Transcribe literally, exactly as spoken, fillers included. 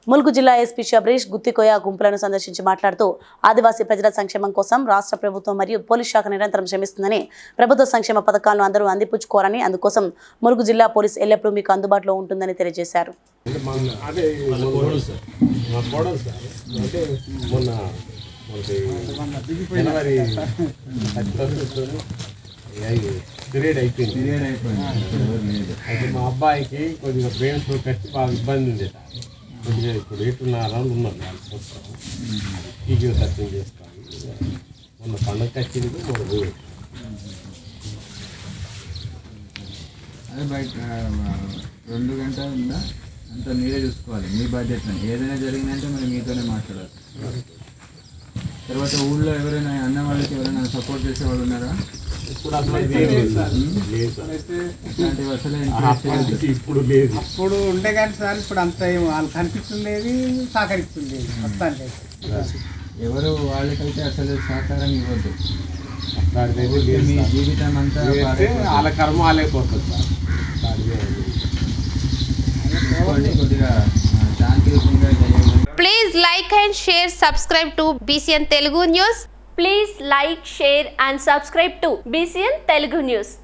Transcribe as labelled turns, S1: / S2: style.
S1: ములుగు జిల్లా ఎస్పీ శబరీష్ గుత్తికోయ గుంపులను సందర్శించి మాట్లాడుతూ ఆదివాసీ ప్రజల సంక్షేమం కోసం రాష్ట్ర ప్రభుత్వం మరియు పోలీస్ శాఖ నిరంతరం శ్రమిస్తుందని, ప్రభుత్వ సంక్షేమ పథకాలను అందరూ అందిపుచ్చుకోవాలని, అందుకోసం ములుగు జిల్లా పోలీస్ ఎల్లప్పుడూ మీకు అందుబాటులో ఉంటుందని తెలియజేశారు.
S2: పీరియడ్ అయిపోయింది పీరియడ్ అయిపోయింది అయితే మా అబ్బాయికి కొద్దిగా బ్రెయిన్ స్ట్రోక్ వచ్చి బాగా ఇబ్బంది ఉంది. కొద్దిగా ఇప్పుడు ఎటున్నర రౌండ్ ఉన్నారు నాలుగు సంవత్సరాలు ఈజీగా సత్యం చేసుకోవాలి. మొన్న పండుగ వచ్చింది మొన్న పోయి
S3: అదే బయట రెండు గంటల ఉందా అంత మీరే చూసుకోవాలి. మీ బాధ్యత ఏదైనా జరిగిందంటే మరి మీతోనే మాట్లాడాలి. తర్వాత ఊళ్ళో ఎవరైనా అన్న వాళ్ళకి ఎవరైనా సపోర్ట్ చేసే వాళ్ళు ఉన్నారా?
S2: ఇప్పుడు అసలు ఇప్పుడు లేదు.
S4: అప్పుడు ఉండే కానీ సార్ ఇప్పుడు అంత వాళ్ళు కనిపిస్తుండేది, సహకరిస్తుండేది. మొత్తానికి
S3: ఎవరు వాళ్ళకైతే అసలు సహకారం ఇవ్వద్దు.
S2: మీ
S3: జీవితం అంతా
S2: వాళ్ళ కర్మ వాళ్ళైపోతుంది సార్.
S3: కొద్దిగా శాంతియుతంగా చేయాలి.
S5: Please like and share, subscribe to B C N Telugu News.
S6: Please like, share and subscribe to B C N Telugu News.